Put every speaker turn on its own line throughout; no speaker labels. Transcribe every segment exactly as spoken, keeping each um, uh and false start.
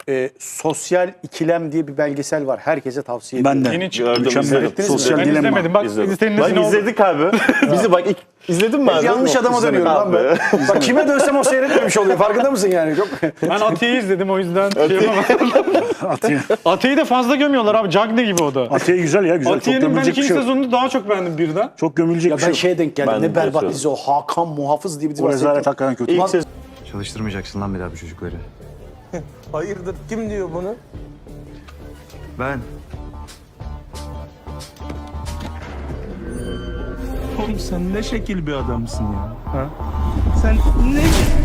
e, Sosyal İkilem diye bir belgesel var. Herkese tavsiye ediyorum.
Ben de.
Yeni çıktı.
Mükemmel.
İzlediniz mi?
Sosyal
Ben
dilemma.
izlemedim. Bak
İzledim.
senin
Bak
nezin oldu.
izledik abi. Bizi bak ilk izledin mi abi?
Yanlış adama dönüyorum lan
Abi.
ben. Bak kime dönsem o seyretmemiş oluyor. Farkında mısın yani? Çok...
Ben Atiye'yi izledim o yüzden şey yapamadım.
Atiye.
Atiye'yi de fazla gömüyorlar abi. Cagne gibi o da.
Atiye güzel ya güzel. Çok
Atiye'nin ben
gömülecek bir
ikinci
şey yok.
sezonunu daha çok beğendim birden.
Çok gömülecek
Ya
bir şey
ben
yok.
şeye denk geldim.
Ben
ne
de
berbat
yaşıyorum.
dizi o. Hakan Muhafız diye bir dizi
O
var.
rezalet hakikaten kötü.
İlk sezon
Çalıştırmayacaksın lan bir daha bu çocukları.
Hayırdır? Kim diyor bunu?
Ben.
Oğlum sen ne şekil bir adamsın ya. Ha? Sen ne...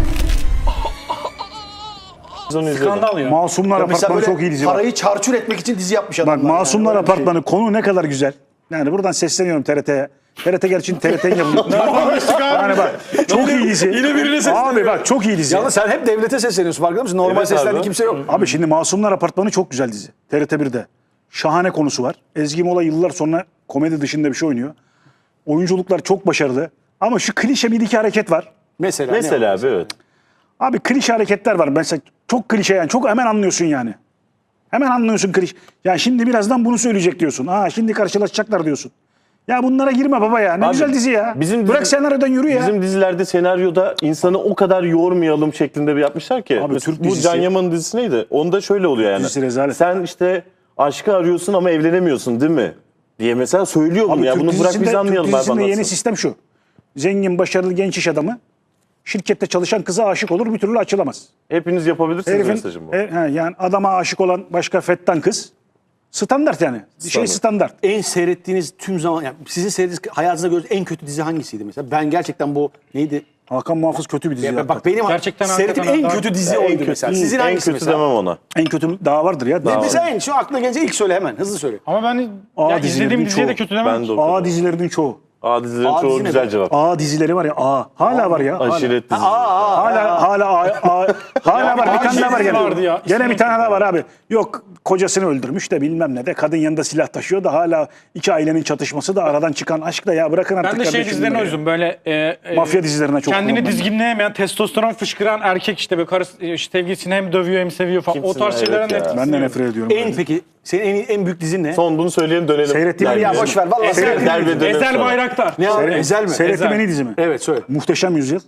izledim.
Skandal ya.
Masumlar
Ya mesela
Apartmanı
böyle
çok iyi dizi var.
parayı çarçur etmek için dizi yapmış
Bak
adamlar.
Masumlar
yani. Öyle bir şey.
Apartmanı konu ne kadar güzel. Yani buradan sesleniyorum T R T'ye. T R T gerçi T R T'nin yapımı. Yani bak çok iyi dizi.
Yine birine sesleniyor.
Abi bak çok iyi dizi.
Yalnız sen hep devlete sesleniyorsun. Farkında mısın? Normal
Evet
seslendiğin
abi.
kimse yok.
Abi şimdi Masumlar Apartmanı çok güzel dizi. T R T birde. Şahane konusu var. Ezgi Mola yıllar sonra komedi dışında bir şey oynuyor. Oyunculuklar çok başarılı. Ama şu klişe bir iki hareket var.
Mesela, ne
Mesela
var?
abi evet.
Abi klişe hareketler var. Mesela çok klişe yani. Çok hemen anlıyorsun yani. Hemen anlıyorsun klişe. Ya şimdi birazdan bunu söyleyecek diyorsun. Aa şimdi karşılaşacaklar diyorsun. Ya bunlara girme baba ya. Ne
Abi,
güzel dizi ya.
bizim
Bırak
dizi-
senaryodan yürü ya.
Bizim dizilerde senaryoda insanı o kadar yormayalım şeklinde bir yapmışlar ki.
Abi,
Mesela
Türk
bu
dizisi-
Can Yaman'ın dizisi neydi? Onda şöyle oluyor yani.
Dizisi rezalet.
Sen işte aşkı arıyorsun ama evlenemiyorsun değil mi? Diye mesela söylüyor bunu
Abi
ya.
Türk
Bunu bırak
dizisinde-
biz anlayalım
Türk
abi
dizisinde yeni
anlatsın.
sistem şu. Zengin, başarılı genç iş adamı şirkette çalışan kıza aşık olur bir türlü açılamaz.
Hepiniz yapabilirsiniz
Herifin,
mesajım bu.
e, he, yani adama aşık olan başka fettan kız. Standart yani. Bir şey standart.
En seyrettiğiniz tüm zaman, yani sizin seyrettiğiniz hayatınızda gördüğünüz en kötü dizi hangisiydi mesela? Ben gerçekten bu neydi?
Hakan Muhafız kötü bir dizi.
Ya
Ya,
bak benim
Gerçekten
seyrettiğim en
hakikaten
kötü dizi
En
oydu
kötü,
mesela. Sizin
en
hangisi
kötü
mesela?
demem ona.
en kötü daha vardır ya. Daha
Mesela en şu aklına gelince ilk söyle hemen. Hızlı söyle.
Ama ben
Aa,
ya
dizilerin
izlediğim diziye de
çoğu.
kötü demem.
Ben de o
A
kadar.
dizilerinin çoğu.
A dizilerin
A
çoğu
dizi ne
güzel
be?
cevap.
A dizileri var ya. A. Hala var ya. Hala.
Aşiret dizisi.
Hala hala A, A- hala var. Bir tane daha var
dizi vardı
gene.
ya.
Gene bir
İsmini
tane daha var abi. Yok kocasını öldürmüş de bilmem ne de. Kadın yanında silah taşıyor da hala iki ailenin çatışması da aradan çıkan aşk da ya bırakın artık
Ben de şey
kardeşim
dizilerine
bunları ya.
uydum böyle e, e,
Mafya dizilerine çok
kendini
kullanılan.
dizginleyemeyen, testosteron fışkıran erkek işte böyle karısı, e, sevgilisini hem dövüyor hem seviyor falan.
Kimsin
o tarz
evet
şeylere
ya.
nefret
Ben de nefret ediyorum.
En peki senin en, en büyük dizin ne?
Son bunu söyleyelim dönelim.
Seyrettiğim
Derbiye.
Ya boş ver vallahi
Ezel,
seyrettim.
Derbiye dönelim
Ezel
sonra.
Bayraktar.
Ne abi?
Seyret-
Ezel mi?
Seyrettiğim
Ezel.
en iyi dizi mi?
Evet söyle.
Muhteşem Yüzyıl.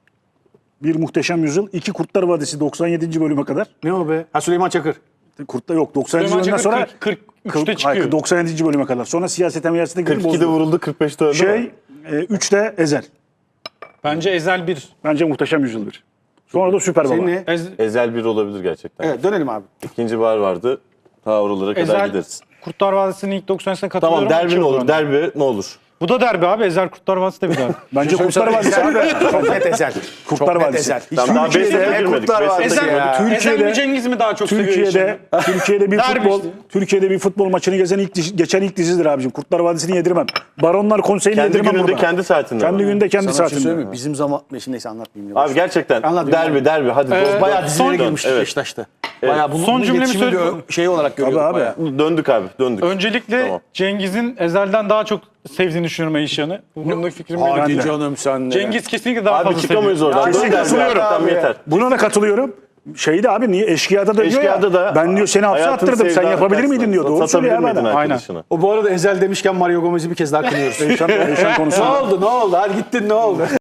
Bir Muhteşem Yüzyıl. İki Kurtlar Vadisi doksan yedinci bölüme kadar.
Ne o be? Ha Süleyman Çakır.
Kurtlar yok doksanıncı
Süleyman
bölümden
Çakır
sonra
kırk, kırk üçte çıkıyor.
Hayır, doksan yedinci bölüme kadar. Sonra siyasete miyasete girdi
kırk ikide
bozdu.
vuruldu kırk beşte öldü mü?
Şey, e, üçte Ezel.
Bence Ezel bir.
Bence Muhteşem Yüzyıl bir. Sonra da Süper Baba.
Senin ne?
Ez,
Ezel bir olabilir gerçekten.
Evet dönelim abi.
İkinci bar vardı. Ta oralara kadar
Ezel
gideriz.
Kurtlar Vadisi'nin ilk doksan senesine katılıyorum.
Tamam derbi
İki
ne olur?
oldu.
Derbi ne olur?
Bu da derbi abi. Ezel Kurtlar Vadisi de bir derbi.
Bence Kurtlar Vadisi abi.
Çok net Ezel.
Kurtlar
Çok net
Vadisi.
Ezel. Hiç
Tamam, daha beş
Türkiye'de
sene
ne
girmedik,
Kurtlar
beş sene
Vadisi
Ezel,
ya.
Türkiye'de-
Ezel mi Cengiz mi daha çok seviyor
Türkiye'de
işini?
Türkiye'de bir
Derbi
futbol
işte.
Türkiye'de bir futbol maçını gezen ilk dizi- geçen ilk dizidir abicim. Kurtlar Vadisi'ni yedirmem. Baronlar Konseyi'ni
Kendi
yedirmem
gününde
burada.
kendi saatinde.
Kendi
mi?
günde kendi
Sana bir şey
saatinde.
söyleyeyim mi? Bizim zaman... Neyse, neyse anlatmayayım. ya.
Abi gerçekten
Anladım,
derbi
anladım.
derbi hadi.
Ee,
Bayağı dizilere
Son-
girmiştik
evet.
Beşiktaş'ta. Bayağı bunu,
Son
bunu
cümlemi
iletişimi
söyle-
gö- şey olarak görüyorduk
abi.
bayağı.
Döndük abi döndük.
Öncelikle
Tamam.
Cengiz'in Ezel'den daha çok sevdiğini düşünüyorum Eyşan'ı. Bu konudaki fikrim benim.
Hadi
de.
canım sen ne?
Cengiz kesinlikle daha
Abi
fazla
çıkamayız
seviyor.
oradan.
kesin
Dön derbi
katılıyorum
abi,
abi.
yeter.
Buna da katılıyorum. Şeyde abi niye eşkıyada da diyor
Eşkıya'da
ya.
da
Ben diyor seni hapse
hayatın
attırdım. Sen
sevda
yapabilir
arkadaşına
miydin diyor. Doğru
satabilir
söylüyor ya
miydin
bana.
arkadaşına?
O bu arada Ezel demişken Mario Gomez'i bir kez daha kınıyoruz.
Eyşan, Eyşan konusu.
Ne oldu ne oldu? Hadi gittin ne oldu?